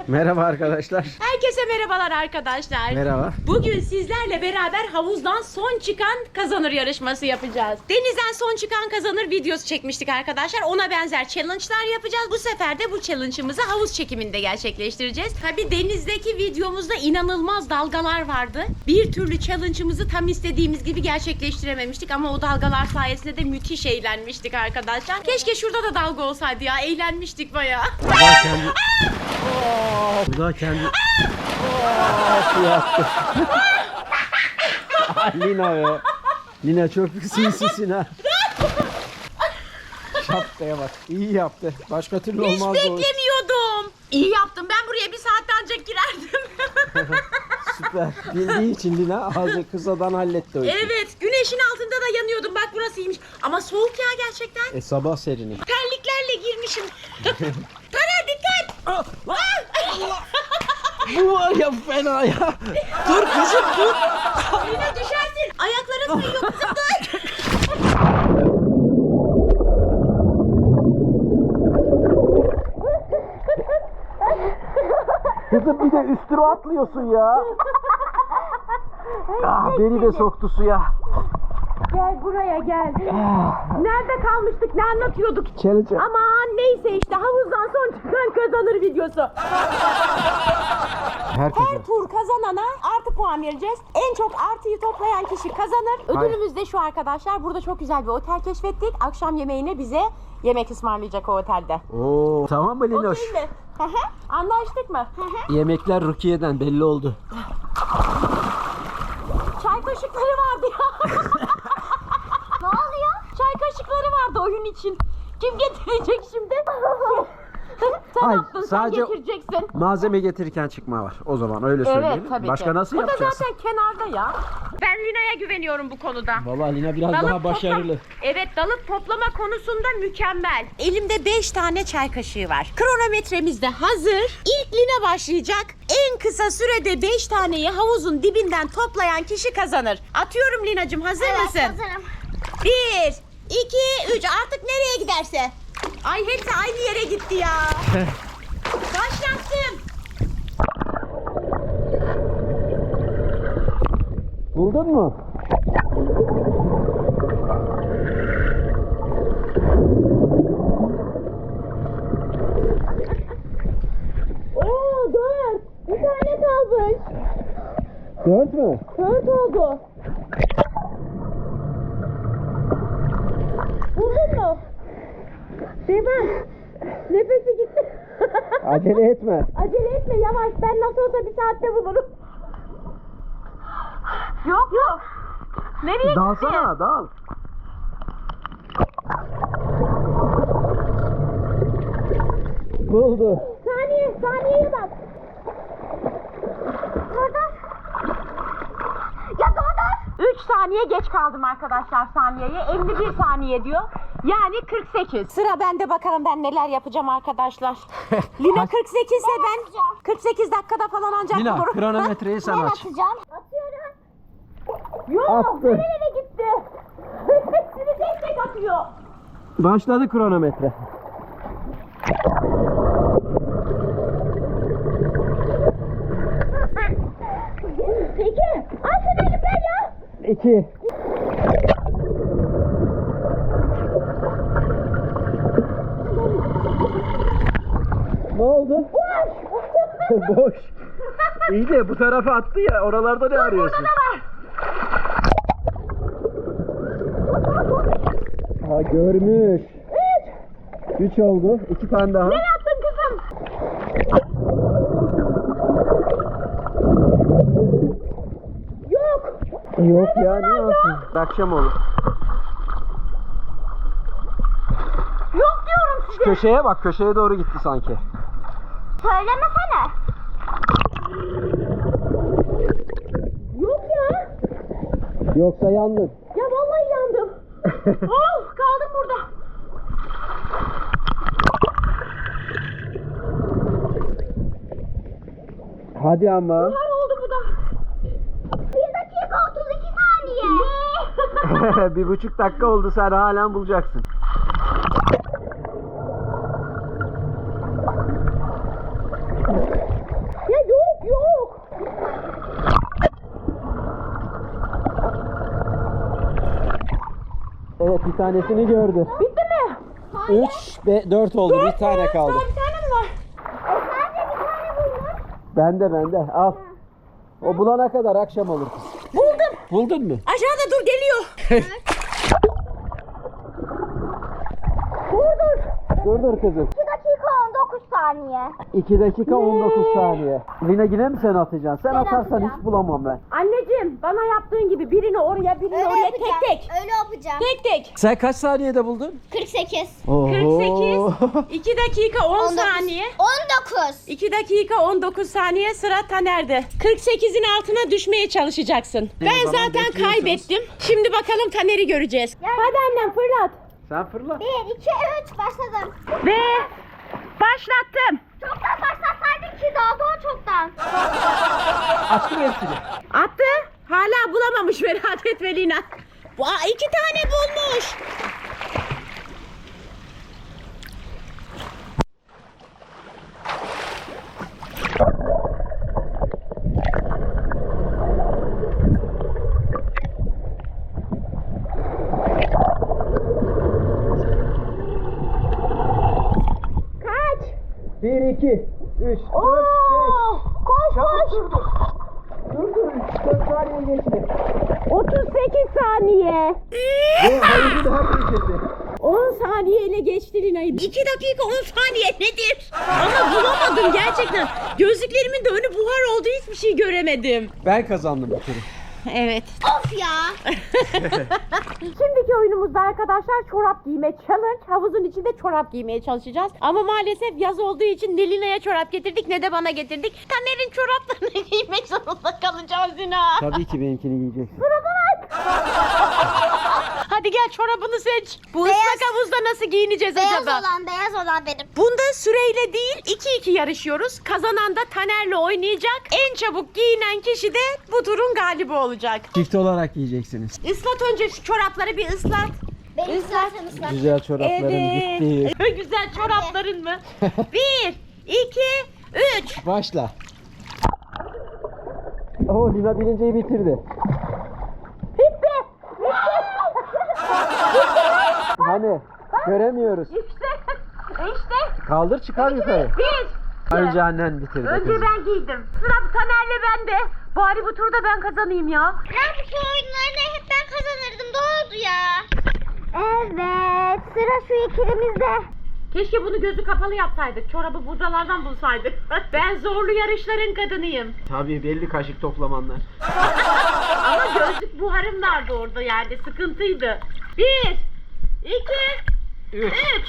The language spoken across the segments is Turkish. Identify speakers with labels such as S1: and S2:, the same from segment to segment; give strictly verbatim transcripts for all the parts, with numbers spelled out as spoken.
S1: Merhaba arkadaşlar.
S2: Herkese merhabalar arkadaşlar.
S1: Merhaba.
S2: Bugün sizlerle beraber havuzdan son çıkan kazanır yarışması yapacağız. Denizden son çıkan kazanır videosu çekmiştik arkadaşlar. Ona benzer challenge'lar yapacağız. Bu sefer de bu challenge'ımızı havuz çekiminde gerçekleştireceğiz. Tabii denizdeki videomuzda inanılmaz dalgalar vardı. Bir türlü challenge'ımızı tam istediğimiz gibi gerçekleştirememiştik ama o dalgalar sayesinde de müthiş eğlenmiştik arkadaşlar. Keşke şurada da dalga olsaydı ya. Eğlenmiştik bayağı.
S1: Bu da kendi... Bu da kendi... Şey yaptı. Lina be. Lina çok sinsisin ha. Şapkaya bak. İyi yaptı. Başka türlü
S2: Hiç
S1: olmazdı.
S2: beklemiyordum. İyi yaptım. Ben buraya bir saatte ancak girerdim.
S1: Süper. Bildiği için Lina ağzı kısadan halletti o işi.
S2: Evet. Güneşin altında da yanıyordum. Bak burasıymış. Ama soğuk ya gerçekten.
S1: E sabah serini.
S2: Terliklerle girmişim. Taner dikkat.
S1: Ah, Bu var ya fena ya. Dur kızım dur.
S2: Yine düşersin. Ayakların kayıyor kızım dur.
S1: Kızım bir de üstüne atlıyorsun ya. Ah, beni de soktu suya.
S2: Gel buraya gel. Nerede kalmıştık? Ne anlatıyorduk?
S1: Challenge.
S2: Aman neyse işte havuzdan son çıkan kazanır videosu.
S1: Herkese.
S2: Her tur kazanana artı puan vereceğiz. En çok artıyı toplayan kişi kazanır. Ödülümüz de şu arkadaşlar. Burada çok güzel bir otel keşfettik. Akşam yemeğini bize yemek ısmarlayacak o otelde.
S1: Oo, tamam mı Linoş?
S2: Okey mi? Hı hı. Anlaştık mı? Hı hı.
S1: Yemekler Rukiye'den belli oldu.
S2: Çay kaşıkları vardı ya. Ne oluyor? Çay kaşıkları vardı oyun için. Kim getirecek şimdi? Sen
S1: Hayır,
S2: yaptın,
S1: sadece-
S2: sen getireceksin.
S1: Malzeme getirirken çıkma var. O zaman öyle söyleyelim.
S2: Evet tabii
S1: Başka
S2: ki.
S1: nasıl
S2: Bu
S1: yapacağız?
S2: da zaten kenarda ya. Ben Lina'ya güveniyorum bu konuda.
S1: Vallahi Lina biraz
S2: Dalıp
S1: daha başarılı.
S2: topla- Evet, dalıp toplama konusunda mükemmel. Elimde beş tane çay kaşığı var. Kronometremiz de hazır. İlk Lina başlayacak. En kısa sürede beş taneyi havuzun dibinden toplayan kişi kazanır. Atıyorum Lina'cığım, hazır mısın?
S3: Hazırım.
S2: Bir, iki, üç. Artık nereye giderse. Ay hepsi aynı yere gitti ya. Başlattım.
S1: Buldun mu?
S2: Oo dört. Bir tane kalmış.
S1: Dört mü?
S2: Dört oldu. Buldun mu? Devam. Nefesi gitti.
S1: Acele etme.
S2: Acele etme, yavaş. Ben nasıl olsa bir saatte bulurum. Yok yok. Nereye gitti?
S1: Dalsana, dal. Buldu.
S2: Saniye, saniyeye bak. Dur. Ya dur. üç saniye geç kaldım arkadaşlar saniyeye. elli bir saniye diyor. Yani kırk sekiz. Sıra bende, bakalım ben neler yapacağım arkadaşlar. Lina kırk sekiz ise ben kırk sekiz dakikada falan ancak
S1: Lina
S2: bulurum.
S1: kronometreyi sen
S3: Ben
S1: aç.
S3: atacağım. Atıyorum.
S2: Yok,
S1: Attı.
S2: nereye gitti? Hepsini tek tek atıyor.
S1: Başladı kronometre.
S2: İki. Al şunu elimden ya.
S1: İki. Ne oldu? Boş. Boş. İyi de bu tarafa attı ya. Oralarda ne arıyorsun? Ha görmüş. Üç. Üç oldu. İki tane daha.
S2: Ne yaptın kızım? Yok.
S1: Yok ya ne yapsın? Akşam olur.
S2: Yok diyorum size.
S1: Köşeye bak. Köşeye doğru gitti sanki.
S3: Söylemesene.
S2: Yok ya.
S1: Yoksa yandın.
S2: Ya vallahi yandım. Oh, kaldım burada.
S1: Hadi ama.
S2: Var oldu bu da.
S3: Bir dakika otuz iki saniye.
S1: Bir buçuk dakika oldu, sen halen bulacaksın. iki tanesini gördü.
S2: Bitti mi?
S1: üç, dört oldu. Bir tane kaldı.
S2: Daha bir tane mi var?
S3: E sen de bir tane buldun.
S1: Bende bende. Al. O bulana kadar akşam olur kız.
S2: Buldum.
S1: Buldun mu?
S2: Aşağıda dur geliyor.
S3: Dur dur.
S1: Dur dur kızım.
S3: iki dakika on dokuz saniye.
S1: iki dakika on dokuz saniye. Lina yine mi sen atacaksın? Sen
S3: Ben
S1: atarsan
S3: atacağım.
S1: hiç bulamam ben.
S2: Anneciğim bana yaptığın gibi birini oraya birini oraya tek tek.
S3: Öyle yapacağım.
S2: Tek tek.
S1: Sen kaç saniyede buldun?
S3: kırk sekiz.
S2: kırk sekiz. iki dakika on
S3: on dokuz.
S2: saniye.
S3: on dokuz.
S2: iki dakika on dokuz saniye sıra Taner'de. kırk sekizin altına düşmeye çalışacaksın.
S1: O
S2: Ben
S1: zaman
S2: zaten
S1: bekliyorsunuz.
S2: kaybettim. Şimdi bakalım Taner'i göreceğiz.
S3: Yani-
S2: Hadi annem fırlat.
S1: Sen fırla.
S3: bir, iki, üç başladım.
S2: Ve başlattım.
S3: Çoktan başlasaydık ki daha daha çoktan.
S1: Açtım hepsini.
S2: Attı. Hala bulamamış merak etme Lina. Aa, iki tane bulmuş. Kaç?
S1: bir, iki, üç, dört,
S2: Oo, koş
S1: Çabuk
S2: koş.
S1: dur dur. Dur dur. dört saniye geçti.
S2: otuz sekiz saniye.
S1: Ve hayırlı daha geçti.
S2: on saniyeyle geçti Lina'yı. iki dakika on saniye nedir? Ama bulamadım gerçekten. Gözlüklerimin de önü buhar oldu, hiçbir şey göremedim.
S1: Ben kazandım bu turu.
S2: Evet.
S3: Of ya.
S2: Şimdiki oyunumuzda arkadaşlar çorap giyme challenge. Havuzun içinde çorap giymeye çalışacağız. Ama maalesef yaz olduğu için ne Lina'ya çorap getirdik ne de bana getirdik. Taner'in çoraplarını giymek zorunda kalacağız Lina.
S1: Tabii ki benimkini giyeceksin.
S2: Hadi gel çorabını seç. Bu
S3: Beyaz.
S2: ıslak havuzda nasıl giyineceğiz
S3: Beyaz
S2: acaba?
S3: olan beyaz olan benim.
S2: Bunda süreyle değil iki iki yarışıyoruz. Kazanan da Taner'le oynayacak. En çabuk giyinen kişi de bu turun galibi olacak.
S1: Çift olarak giyeceksiniz.
S2: Islat önce şu çorapları bir ıslat.
S3: Benim zaten ıslak.
S1: Güzel çorapların gitti.
S2: Evet. Güzel çorapların mı? Bir, iki, üç.
S1: Başla. Oo, Lina birinciyi bitirdi.
S2: Bitti.
S1: Hani göremiyoruz.
S2: İşte. İşte.
S1: Kaldır çıkar yukarı.
S2: Bir.
S1: Önce annen bitirdi.
S2: Önce
S1: kızım.
S2: ben giydim. Sıra Taner'le bende. Bari bu turda ben kazanayım ya.
S3: Ya bu şu oyunlarını hep ben kazanırdım. Doğru ya. Evet. Sıra şu ikilimizde.
S2: Keşke bunu gözü kapalı yapsaydık. Çorabı buradalardan bulsaydık. Ben zorlu yarışların kadınıyım.
S1: Tabii belli kaşık toplamanlar.
S2: Ama gözlük buharım vardı orada yani. Sıkıntıydı. Bir, iki,
S1: Üç.
S2: üç.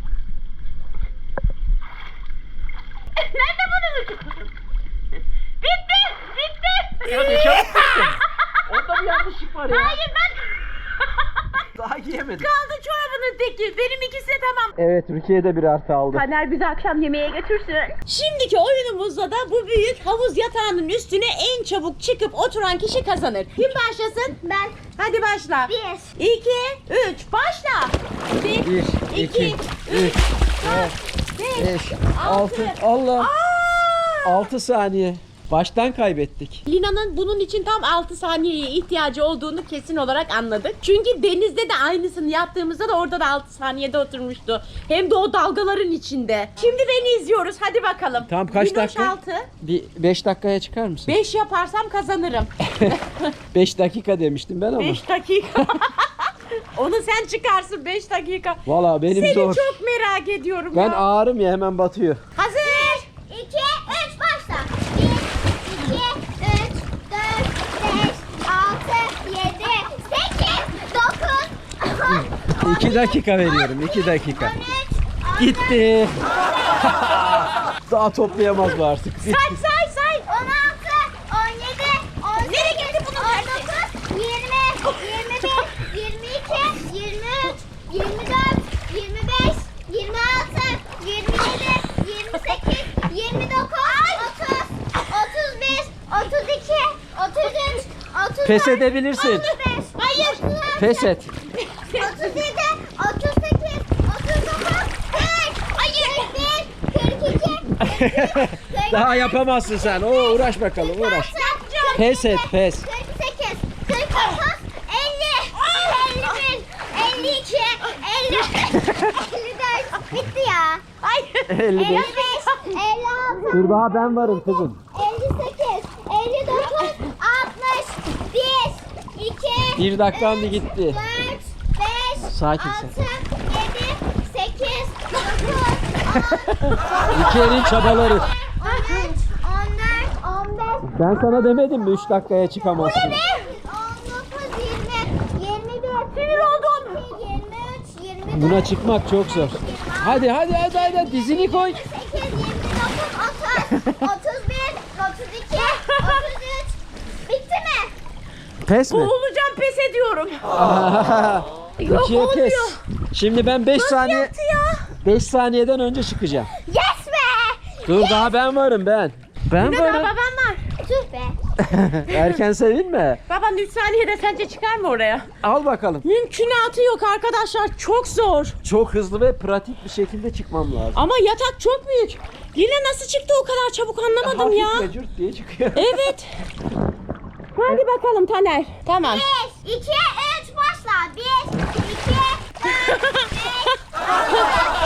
S2: Nerede bunun ucu? Bitti, bitti.
S1: Ya ne çabuk bitti. Orada bir yanlışlık var ya.
S2: Hayır ben...
S1: Daha giyemedim.
S2: Kaldı çorabının teki. Benim ikisi de tamam.
S1: Evet, Rukiye de bir artı aldı.
S2: Taner bizi akşam yemeğe götürsün. Şimdiki oyunumuzda da bu büyük havuz yatağının üstüne en çabuk çıkıp oturan kişi kazanır. Kim başlasın?
S3: Ben.
S2: Hadi başla.
S3: Bir.
S2: iki, üç, başla. Bir,
S1: Bir,
S2: iki,
S1: iki,
S2: üç,
S1: üç,
S2: dört, beş,
S1: Beş,
S2: altı.
S1: altı. Allah.
S2: Aa!
S1: Altı saniye. Baştan kaybettik.
S2: Lina'nın bunun için tam altı saniyeye ihtiyacı olduğunu kesin olarak anladık. Çünkü denizde de aynısını yaptığımızda da orada da altı saniyede oturmuştu. Hem de o dalgaların içinde. Şimdi beni izliyoruz. Hadi bakalım.
S1: Tamam, kaç
S2: Linoş
S1: dakika?
S2: altı.
S1: Bir beş dakikaya çıkar mısın?
S2: beş yaparsam kazanırım.
S1: Beş dakika demiştim ben ama.
S2: beş dakika. Onu sen çıkarsın beş dakika.
S1: Valla benim
S2: Seni
S1: zor.
S2: çok merak ediyorum
S1: Ben
S2: ya.
S1: ağırım ya, hemen batıyor.
S2: Hazır.
S3: iki, üç başla. bir, iki, üç, dört, beş, altı, yedi, sekiz, dokuz, on,
S1: İki dakika veriyorum. iki dakika.
S3: on üç,
S1: Gitti. Daha toplayamaz bu artık.
S2: Say say say.
S3: on altı, on yedi, on sekiz,
S2: Nereye gitti bunun
S3: on
S2: tersi?
S3: dokuz, yirmi, yirmi bir, yirmi iki, yirmi üç, yirmi dört, yirmi beş, yirmi altı, yirmi yedi, yirmi sekiz, yirmi dokuz, otuz, otuz bir, otuz iki, otuz üç, otuz
S1: Pes edebilirsin.
S3: otuz beş, hayır,
S1: Pes et.
S3: otuz yedi, otuz sekiz, otuz dokuz, kırk, hayır, kırk bir, kırk iki, kırk üç,
S1: Daha yapamazsın sen. Oo, uğraş bakalım, uğraş. Pes et, pes.
S3: kırk sekiz, kırk dokuz, elli, elli bir, elli iki, elli dört. Bitti ya.
S2: Ay.
S1: elli
S3: elli
S1: beş.
S3: beş. elli altı.
S1: Dur daha ben varım kızım.
S3: elli sekiz. elli dokuz. altmış. bir. iki.
S1: Bir dakikan da gitti.
S3: dört. beş.
S1: Sakin,
S3: altı.
S1: sakin.
S3: yedi. sekiz. dokuz.
S1: İki elin çabaları.
S3: on üç. on dört. on beş.
S1: Ben sana demedim mi üç dakikaya çıkamazsın?
S3: on dokuz, yirmi, yirmi bir,
S2: Sinir oldum.
S3: yirmi üç, yirmi dört,
S1: Buna çıkmak çok zor. Hadi hadi hadi hadi dizini koy.
S3: yirmi sekiz, yirmi dokuz, otuz, otuz bir, otuz iki, otuz üç. Bitti mi?
S1: Pes mi?
S2: Boğulacağım, pes ediyorum. Yok,
S1: İkiye pes.
S2: olmuyor.
S1: Şimdi ben beş saniye
S2: Yaptı ya.
S1: beş saniyeden önce çıkacağım.
S3: Yes be!
S1: Dur daha ben varım ben. Ben
S2: Bir de daha
S1: varım.
S2: babam var.
S3: Tüh be!
S1: Erken sevinme.
S2: Baban üç saniyede sence çıkar mı oraya?
S1: Al bakalım.
S2: Mümkünatı yok arkadaşlar. Çok zor.
S1: Çok hızlı ve pratik bir şekilde çıkmam lazım.
S2: Ama yatak çok büyük. Lina nasıl çıktı o kadar çabuk anlamadım ya.
S1: Hafif ve cürt diye çıkıyor.
S2: Evet. Hadi bakalım Taner. Tamam.
S3: bir, iki, üç, başla. bir, iki, üç, beş,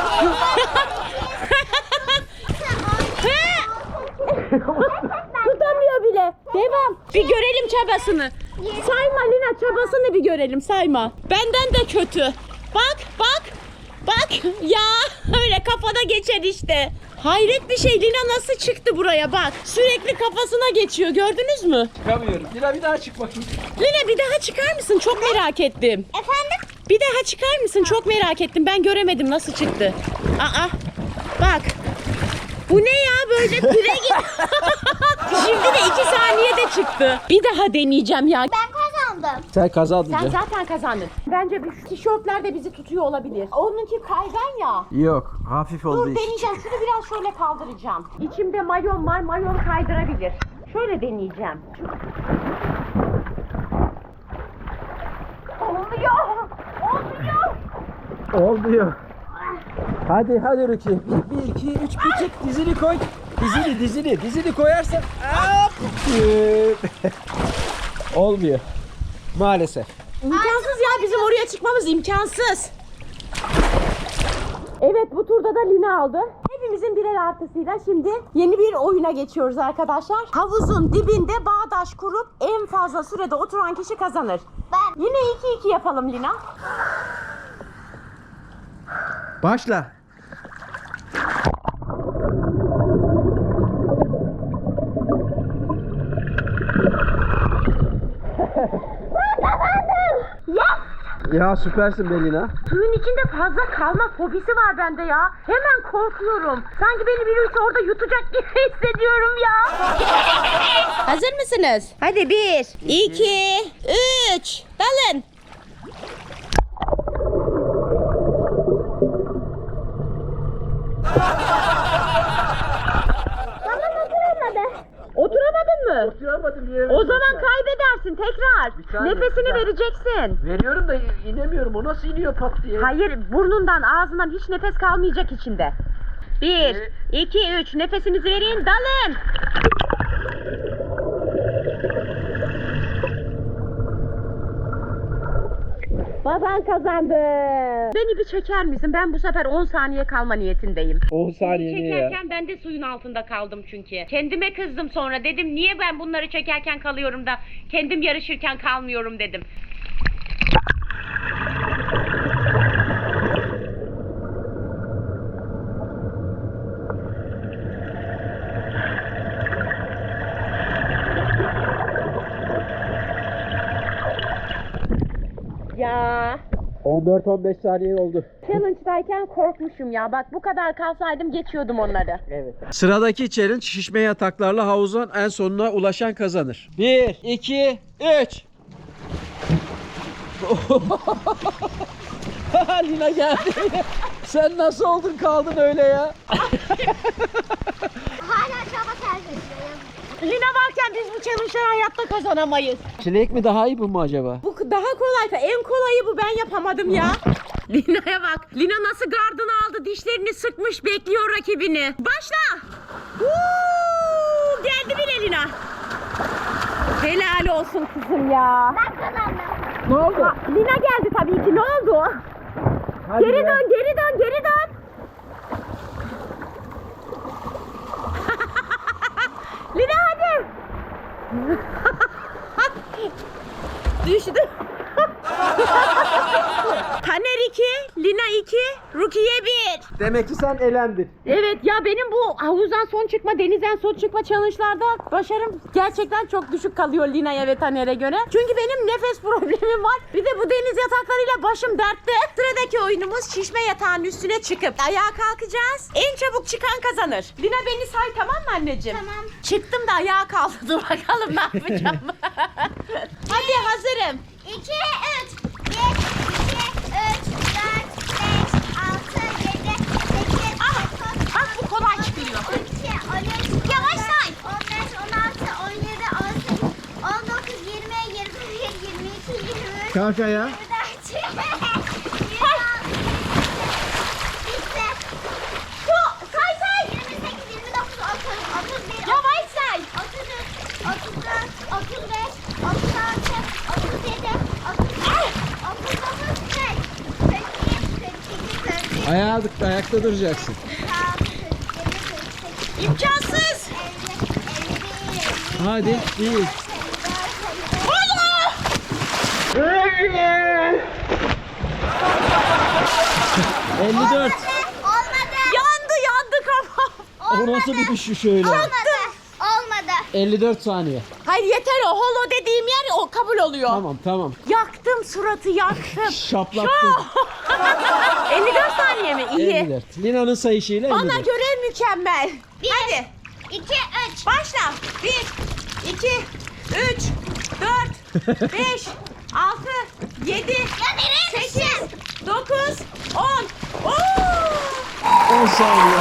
S2: Tutamıyor bile. Devam. Bir görelim çabasını. Sayma Lina, çabasını bir görelim, sayma. Benden de kötü. Bak bak. Bak ya öyle kafada geçer işte. Hayret bir şey, Lina nasıl çıktı buraya bak. Sürekli kafasına geçiyor, gördünüz mü?
S1: Çıkamıyorum. Lina bir daha çık bakayım.
S2: Lina bir daha çıkar mısın? Çok merak ettim.
S3: Efendim?
S2: Bir daha çıkar mısın? Çok merak ettim. Ben göremedim nasıl çıktı. Aa, bak. Bu ne ya böyle pire gibi. Şimdi de iki saniyede çıktı. Bir daha deneyeceğim ya.
S3: Ben kazandım.
S1: Sen kazandın
S2: Sen
S1: canım.
S2: zaten kazandın. Bence bu tişörtler de bizi tutuyor olabilir. Onunki kaygan ya.
S1: Yok. Hafif olduğu
S2: Dur
S1: için.
S2: deneyeceğim. Şunu biraz şöyle kaldıracağım. İçimde mayon var. Mayon kaydırabilir. Şöyle deneyeceğim. Olmuyor. Olmuyor.
S1: Olmuyor. Hadi hadi Ruki. Bir, iki, üç, bir çık. Dizini koy. Dizini, dizini, dizini koyarsan. Hop. Olmuyor. Maalesef.
S2: İmkansız ya, bizim oraya çıkmamız imkansız. Evet, bu turda da Lina aldı. Hepimizin birer artısıyla şimdi yeni bir oyuna geçiyoruz arkadaşlar. Havuzun dibinde bağdaş kurup en fazla sürede oturan kişi kazanır.
S3: Ben.
S2: Yine iki iki yapalım Lina.
S1: Başla. Ya süpersin Belina.
S2: Suyun içinde fazla kalma fobisi var bende ya. Hemen korkuyorum. Sanki beni birisi orada yutacak gibi hissediyorum ya. Hazır mısınız? Hadi bir, iki, üç. Dalın. Oturamadın mı?
S1: Oturamadım
S2: O zaman kaybedersin tekrar.
S1: Bir saniye,
S2: Nefesini
S1: bir dakika.
S2: vereceksin.
S1: Veriyorum da inemiyorum. O nasıl iniyor pat diye?
S2: Hayır, burnundan ağzından hiç nefes kalmayacak içinde. Bir,
S1: Ee?
S2: iki, üç. Nefesinizi verin, dalın. Baban kazandı. Beni bir çeker misin? Ben bu sefer on saniye kalma niyetindeyim.
S1: on saniye niye ya?
S2: Çekerken ben de suyun altında kaldım çünkü. Kendime kızdım sonra. Dedim niye ben bunları çekerken kalıyorum da kendim yarışırken kalmıyorum dedim. Ya
S1: on dört on beş saniye oldu.
S2: challenge'dayken korkmuşum ya. Bak bu kadar kalsaydım geçiyordum onları.
S1: Evet. Sıradaki challenge şişme yataklarla havuzun en sonuna ulaşan kazanır. bir, iki, üç. Lina geldi. Sen nasıl oldun kaldın öyle ya?
S3: Hala çaba sergiliyorum.
S2: Lina varken biz bu challenge'ları hayatta kazanamayız.
S1: Çilek mi daha iyi bu mu acaba?
S2: Bu daha kolay. En kolayı bu, ben yapamadım ya. Lina'ya bak. Lina nasıl gardını aldı, dişlerini sıkmış, bekliyor rakibini. Başla. Huu, geldi bile Lina. Helal olsun kızım ya.
S3: Ben kazandım.
S1: Ne oldu?
S2: Lina geldi tabii ki. Ne oldu?
S1: Hadi
S2: Geri
S1: be.
S2: dön, geri dön, geri dön. Lina hadi. Düştü. Taner iki, Lina iki, Rukiye bir.
S1: Demek ki sen elendin.
S2: Evet ya, benim bu havuzdan son çıkma, denizden son çıkma challenge'larda başarım gerçekten çok düşük kalıyor Lina'ya ve Taner'e göre. Çünkü benim nefes problemim var. Bir de bu deniz yataklarıyla başım dertte. Sıradaki oyunumuz şişme yatağın üstüne çıkıp ayağa kalkacağız. En çabuk çıkan kazanır. Lina beni say, tamam mı anneciğim?
S3: Tamam.
S2: Çıktım da ayağa kaldı. Dur bakalım ne yapacağım. Hadi hazırım.
S3: iki, üç. bir, iki, üç, dört, beş, altı, yedi, sekiz, dokuz,
S2: Bak bu kolay çıkıyor.
S3: on iki, on üç,
S2: Yavaş say.
S3: on beş, on altı, on yedi, on sekiz, on dokuz, yirmi, yirmi bir, yirmi iki, yirmi üç,
S1: Kalk ayağa.
S3: yirmi dört, yirmi beş, bitti.
S2: Şu, say say.
S3: yirmi sekiz, yirmi dokuz, otuz, otuz bir,
S2: Yavaş say.
S3: otuz üç, otuz dört, otuz beş, otuz altı, otuz yedi, otuz sekiz, otuz dokuz, kırk, kırk bir, kırk iki, kırk üç,
S1: Ayağa, ayakta duracaksın.
S3: kırk altı, kırk yedi, kırk sekiz,
S2: İmkansız.
S3: elli, elli bir, elli iki,
S1: Hadi,
S3: elli üç,
S1: bir.
S3: elli dört,
S1: elli dört.
S3: olmadı.
S2: Yandı yandı kafam.
S1: O nasıl bir düşüş öyle?
S3: Olmadı. Olmadı.
S1: elli dört saniye.
S2: Hayır yeter, o holo dediğim yer o kabul oluyor.
S1: Tamam tamam.
S2: Yaktım suratı, yaktım.
S1: Şaplattın.
S2: elli dört saniye mi? İyi.
S1: elli dört. Lina'nın sayışıyla elli
S2: Bana
S1: dört.
S2: göre mükemmel.
S3: Bir,
S2: Hadi
S3: iki, üç.
S2: başla. bir, iki, üç, dört, beş, altı, yedi, sekiz, dokuz, on. Oo!
S1: on saniye.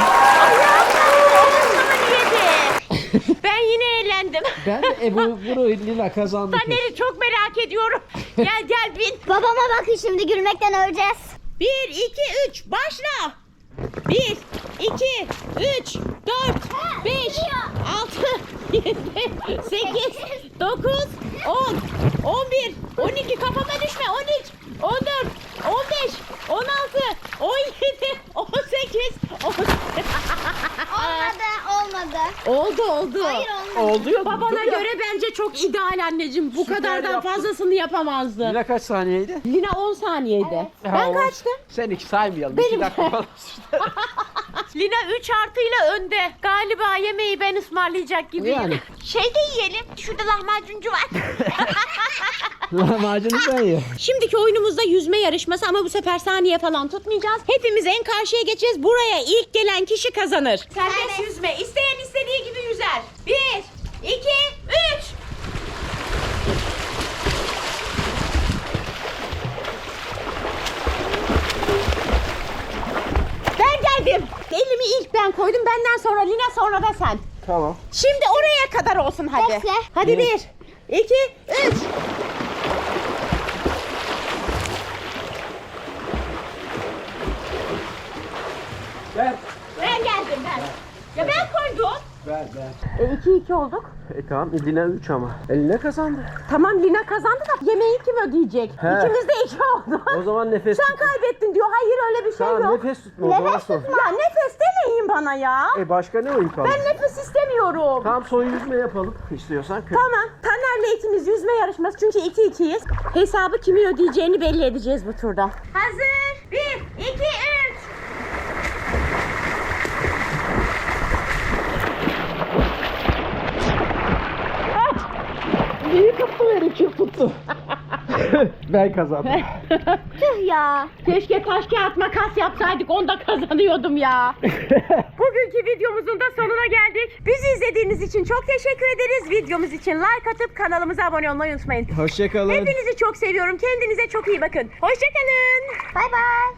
S2: Ben yine eğlendim.
S1: Ben de Ebu bunu Lina kazandı.
S2: Taner'i çok merak ediyorum. Gel gel bin.
S3: Babama bakın, şimdi gülmekten öleceğiz.
S2: bir, iki, üç başla. bir, iki, üç, dört, beş, altı, yedi, sekiz, dokuz, on, on bir, on iki, kafama düşme, on üç, on dört, on beş, on altı, on yedi, on sekiz, on
S3: Olmadı, olmadı.
S2: Oldu oldu.
S3: Hayır, olmadı.
S1: Oldu ya.
S2: Babana
S1: dur ya.
S2: göre bence çok ideal anneciğim. Bu
S1: Süper
S2: kadardan
S1: yaptın.
S2: fazlasını yapamazdı.
S1: Lina kaç saniyeydi?
S2: Lina on saniyeydi. Ben
S1: Ha, on.
S2: kaçtım?
S1: Sen iki saymayalım.
S2: Benim-
S1: İki dakika falan sürdü.
S2: Lina üç artıyla önde. Galiba yemeği ben ısmarlayacak gibiyim.
S1: Yani.
S2: Şey de yiyelim. Şurada lahmacuncu var.
S1: Lahmacunu sen ye.
S2: Şimdiki oyunumuzda yüzme yarışması ama bu sefer saniye falan tutmayacağız. Hepimiz en karşıya geçeceğiz. Buraya ilk gelen kişi kazanır. Serbest
S3: Serbest.
S2: yüzme. İsteyen istediği gibi yüzer. Bir, iki, üç. Ben geldim. Elimi ilk ben koydum. Benden sonra Lina, sonra da sen.
S1: Tamam.
S2: Şimdi oraya kadar olsun hadi.
S3: Bekle.
S2: Hadi bir, iki, üç.
S1: Ver.
S2: Ben geldim ben. Ya ben koydum.
S1: Ver ver.
S2: E iki iki olduk.
S1: E tamam Lina üç ama. Eline kazandı.
S2: Tamam Lina kazandı da yemeği kim ödeyecek?
S1: He.
S2: İkimiz de iki oldu.
S1: O zaman nefes
S2: Sen
S1: tutma.
S2: kaybettin diyor. Hayır öyle bir şey
S1: Tamam
S2: yok.
S1: nefes tutma o zaman
S2: Nefes
S1: son.
S2: tutma. Ya nefes demeyin bana ya.
S1: E başka ne oyun kaldı?
S2: Ben nefes istemiyorum.
S1: Tamam son yüzme yapalım istiyorsan. Kır.
S2: Tamam. Taner'le ikimiz yüzme yarışması çünkü iki ikiyiz. Hesabı kimin ödeyeceğini belli edeceğiz bu turda. Hazır. Bir, iki, üç.
S1: İyi tuttu beni, kim tuttu? Ben kazandım.
S3: Tüh ya.
S2: Keşke taş kağıt makas yapsaydık, onda kazanıyordum ya. Bugünkü videomuzun da sonuna geldik. Bizi izlediğiniz için çok teşekkür ederiz. Videomuz için like atıp kanalımıza abone olmayı unutmayın.
S1: Hoşçakalın.
S2: Hepinizi çok seviyorum. Kendinize çok iyi bakın. Hoşçakalın.
S3: Bay bay.